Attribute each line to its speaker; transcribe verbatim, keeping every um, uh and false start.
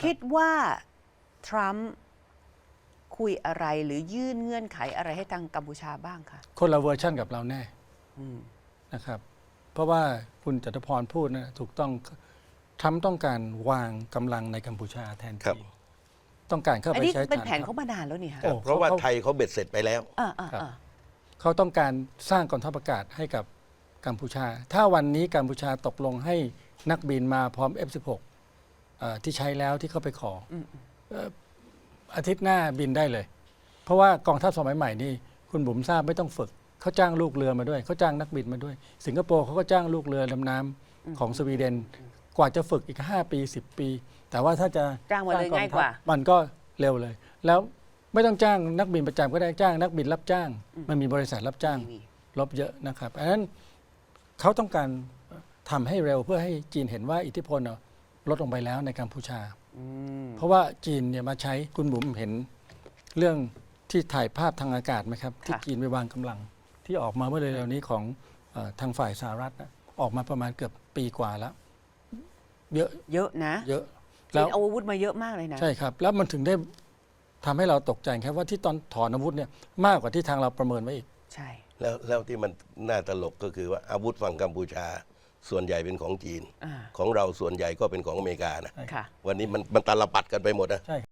Speaker 1: คิดว่าทรัมป์คุยอะไรหรือยื่นเงื่อนไขอะไรให้ทางกัมพูชาบ้างคะ
Speaker 2: คนละเวอร์ชันกับเราแน่นะครับเพราะว่าคุณจตุพรพูดนะถูกต้องทรัมป์ต้องการวางกำลังในกัมพูชาแทนจีนต้องการเข้า
Speaker 1: อัน
Speaker 2: ไป
Speaker 1: นี้
Speaker 2: ใช้
Speaker 1: เป็น
Speaker 2: ฐาน
Speaker 1: แผนเขามานานแล้วนี่ค่ะ
Speaker 2: โอ้
Speaker 3: เพราะว่า
Speaker 2: เขา
Speaker 3: ไทยเขาเบ็ดเสร็จไปแล้ว
Speaker 1: อ่าอ่าอ่า
Speaker 2: เขาต้องการสร้างกองทัพอากาศให้กับกัมพูชา ถ้าวันนี้กัมพูชาตกลงให้นักบินมาพร้อม เอฟ สิบหก เอ่อที่ใช้แล้วที่เขาไปขอเอ่ออาทิตย์หน้าบินได้เลย เพราะว่ากองทัพสมัยใหม่นี่คุณบุ๋มทราบไม่ต้องฝึกเขาจ้างลูกเรือมาด้วยเขาจ้างนักบินมาด้วย สิงคโปร์เขาก็จ้างลูกเรือดำน้ำของสวีเดน กว่าจะฝึกอีกห้าปีสิบปี แต่ว่าถ้าจะ
Speaker 1: จ้างมาเลย
Speaker 2: สร้
Speaker 1: ง่ายกว่า
Speaker 2: มันก็เร็วเลย แล้วไม่ต้องจ้างนักบินประจำก็ได้จ้างนักบินรับจ้าง มันมีบริษัทรับจ้าง
Speaker 1: มี
Speaker 2: ลบเยอะนะครับอันนั้นเขาต้องการทำให้เร็วเพื่อให้จีนเห็นว่าอิทธิพลลดลงไปแล้วในกัมพูชา เพราะว่าจีนเนี่ยมาใช้คุณบุ๋มเห็นเรื่องที่ถ่ายภาพทางอากาศไหมครับที่จีนไปวางกำลังที่ออกมาเมื่อเร็วๆนี้ของเอ่อทางฝ่ายสหรัฐนะออกมาประมาณเกือบปีกว่าแล้ว เยอะ
Speaker 1: เยอะนะ
Speaker 2: เยอะ
Speaker 1: จีนเอาอาวุธมาเยอะมากเลยนะ
Speaker 2: ใช่ครับ แล้วมันถึงได้ทำให้เราตกใจครับว่าที่ตอนถอนอาวุธเนี่ยมากกว่าที่ทางเราประเมินไว้อีก
Speaker 1: ใช่
Speaker 3: แล้วแล้วที่มันน่าตลกก็คือว่าอาวุธฝั่งกัมพูชาส่วนใหญ่เป็นของจีน
Speaker 1: อ่า
Speaker 3: ของเราส่วนใหญ่ก็เป็นของอเมริกานะ
Speaker 1: ค่ะ
Speaker 3: วันนี้มันมันตาลปัดกันไปหมดนะ
Speaker 2: ใช่